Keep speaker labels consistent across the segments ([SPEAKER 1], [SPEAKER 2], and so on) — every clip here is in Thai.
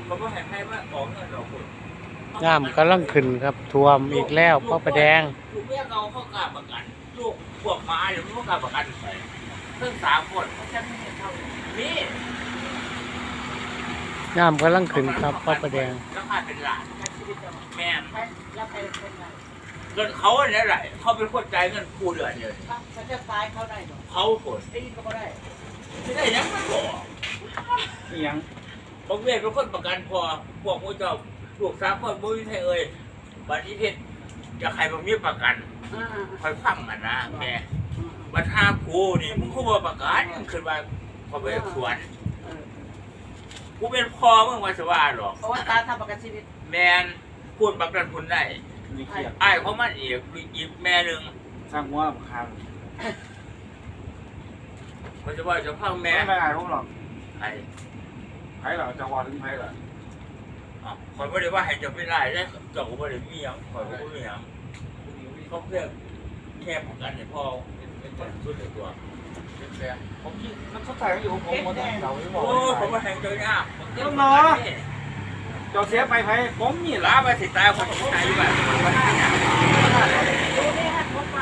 [SPEAKER 1] เขาก็ให้ว่าของเงินเราคน
[SPEAKER 2] น้ำกำลังขึ้นครับท่วมอีกแล้วพระประแดง
[SPEAKER 1] ลูกเมียเขากล้าประกันลูกพวกหมาเดี๋ยวมันก็กล้าประกันไปเพิ่ง3 คนเขาจะไม่เห็นเท่านี้
[SPEAKER 2] น้ำกำลังขึ้นครับพระประแดง
[SPEAKER 1] แล้วพาเป็นหลานแม่
[SPEAKER 3] แล้วใครเป็นไง
[SPEAKER 1] เงินเขาเนี่ยแหละเขาเป็นคนจ่ายเงินกู้เดือนเดียว
[SPEAKER 3] เขาจะตายเขาได้หรอ
[SPEAKER 1] เขาผล
[SPEAKER 3] ตีก็ไม่ได้
[SPEAKER 1] ไม่ได้ยังไม่บอก
[SPEAKER 4] ยัง
[SPEAKER 1] บางเวทเป็นคนประกันพอพวกมูเจ้าลูก3 คนบุ้ยไทยเอ่ยบัตรที่เพชรจะใครบางมีประกันคอยฟังกันนะแม่บัตร5 กูนี่มึงคู่มาประกันขึ้นมาพอไปสวนกูเป็นพ่อมึงมาสว่าหรอก
[SPEAKER 3] เพราะว่าตาทำประกันชีวิต
[SPEAKER 1] แมนพูดประกันคุณได้
[SPEAKER 4] นี่เครียด
[SPEAKER 1] ไอ้เขามันอีกแม่หนึ่ง
[SPEAKER 4] สร้างว่าคาง
[SPEAKER 1] เขาจะว่าจะพังแม่
[SPEAKER 4] ไม่อายพวกหรอก
[SPEAKER 1] ไอ้
[SPEAKER 4] ไผ่เหรอจะวอถึงไผ่เหรอ
[SPEAKER 1] คอยไม่ได้ว่าให้จะไม่ได้ได้เจ้าก็ไม่ได้มีอย่างคอยก็ไม่มีอย่างเขาเพื่อแค่ประกันให้พ่อเป็นคนสุดในตัวเป็นแฟน
[SPEAKER 4] ผมคิดมันเข้าใจอยู่ผมหมดเราไม่บอก
[SPEAKER 1] โอ้ผมมาแทงเจอยาก
[SPEAKER 4] เจ้าเสียไปไผ่ผมนี่แหละ
[SPEAKER 1] ล้าไปสิตายคนที่ตายอยู่แบบมันไม่อยาก
[SPEAKER 3] ดูนี่ฮะพบมา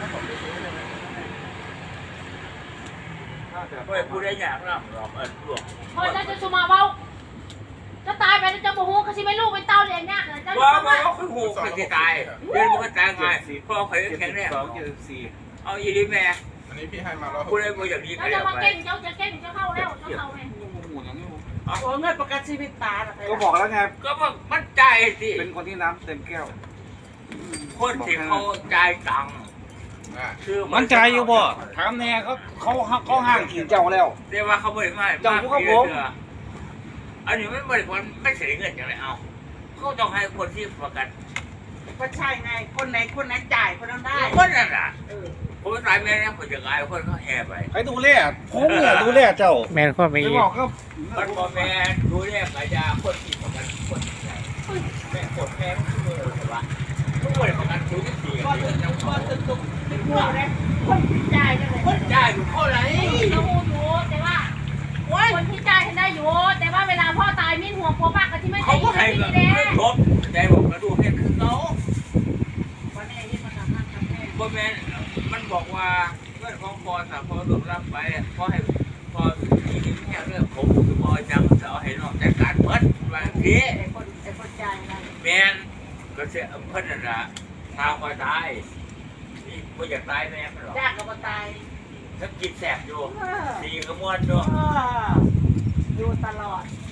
[SPEAKER 1] ไม่พูดได้ยากนะหรอกหลวง
[SPEAKER 5] พอจะสุมาเว้าจะตายไปแล้วจะโมโหเขาสิไม่ลูกเป็นเต้าเลี้ยงยากเลยจะ
[SPEAKER 1] ว่าเขาคือหูคนที่ตายเดินมันก็ตายไงพ่อเคยแข็งแรง
[SPEAKER 4] 72 74
[SPEAKER 1] เอาอีลีแม่
[SPEAKER 6] อันนี้พี่ให้มาแล้ว
[SPEAKER 1] พูดได้บ่อย่างนี้
[SPEAKER 5] แล้
[SPEAKER 1] ก็
[SPEAKER 5] วจะ
[SPEAKER 1] แล้ว
[SPEAKER 5] มา
[SPEAKER 1] ไป
[SPEAKER 5] เก่งเจ้าจะเก่งจะเข้าแล้วจะเข้าไง
[SPEAKER 4] หมุนอย่างนี้
[SPEAKER 3] โอ้เงินประกันชีวิตตา
[SPEAKER 4] ก็บอกแล้วไง
[SPEAKER 1] ก็มันใจสิ
[SPEAKER 4] เป็นคนที่น้ำเต็มแก้ว
[SPEAKER 1] คนที่เขาจ่ายตังค์คือ
[SPEAKER 4] มันใจอยู่บ่ถามแน่เขาห้างขี่เจ้าแล้ว
[SPEAKER 1] เรียกว่าเขาบริมา
[SPEAKER 4] เจ้าอยู่กับผม
[SPEAKER 1] อันนี้ไม่บริการไม่เสียเงินอย่างไรเอาเขาต้องให้คนที่ประกัน
[SPEAKER 3] ก็ใช่ไงคนไหนจ่ายคนนั้นได้
[SPEAKER 1] คนนั้นอ่ะผมตายแม่เนี่ยผมจะกลายคนเขาแห่ไป
[SPEAKER 4] ใครดูแลผมเนี่ยดูแลเจ้า
[SPEAKER 2] แม่นความไม่
[SPEAKER 4] ไม่
[SPEAKER 2] อี
[SPEAKER 4] บ
[SPEAKER 2] ก
[SPEAKER 4] อกก็
[SPEAKER 1] มันพอแม่ดูแลกายาคนที่ประกันคนที่ไหนแม่กดแม่ทุกคนเลยว่าทุกคนประกันทุกที่
[SPEAKER 3] ก็ตึกก็ตึกเป็นพวกเลยคนที่จ่ายกันเลย
[SPEAKER 1] คนจ่ายอยู่เท่าไหร่
[SPEAKER 5] เขาหูอยู่แต่ว่าคนที่จ่ายได้อยู่แต่ว่าเวลาพ่อตายมิ้นห่วงผัวมากก็ที่ไม่
[SPEAKER 1] เขา
[SPEAKER 5] ใช่
[SPEAKER 1] ก็
[SPEAKER 5] ที่
[SPEAKER 1] ให้
[SPEAKER 5] นี่
[SPEAKER 1] กับ
[SPEAKER 5] แหละ
[SPEAKER 1] ไม่ครบใจผมกระดูกเนี่ยคือเขา
[SPEAKER 3] วันนี้ที่มาทำงานกับแม่
[SPEAKER 1] บ่แม่นมันบอกว่าเรื่องของพอสาพอหลบรับไปพอให้พอที่แค่เรื่องผมคือพอจังเสาให้น้องจัดการเพิ่นบางที
[SPEAKER 3] ไอ้คนจ่ายนะ
[SPEAKER 1] แม่นก็เสียเพิ่นนั่นล่ะทางมาตายนี่บ่อยากตายแม่มันหรอก
[SPEAKER 3] ยากกับมาตาย
[SPEAKER 1] ถ้ากินแสบอยู่ดีก็ม่วนอยู่
[SPEAKER 3] อยู่ตลอด
[SPEAKER 1] เ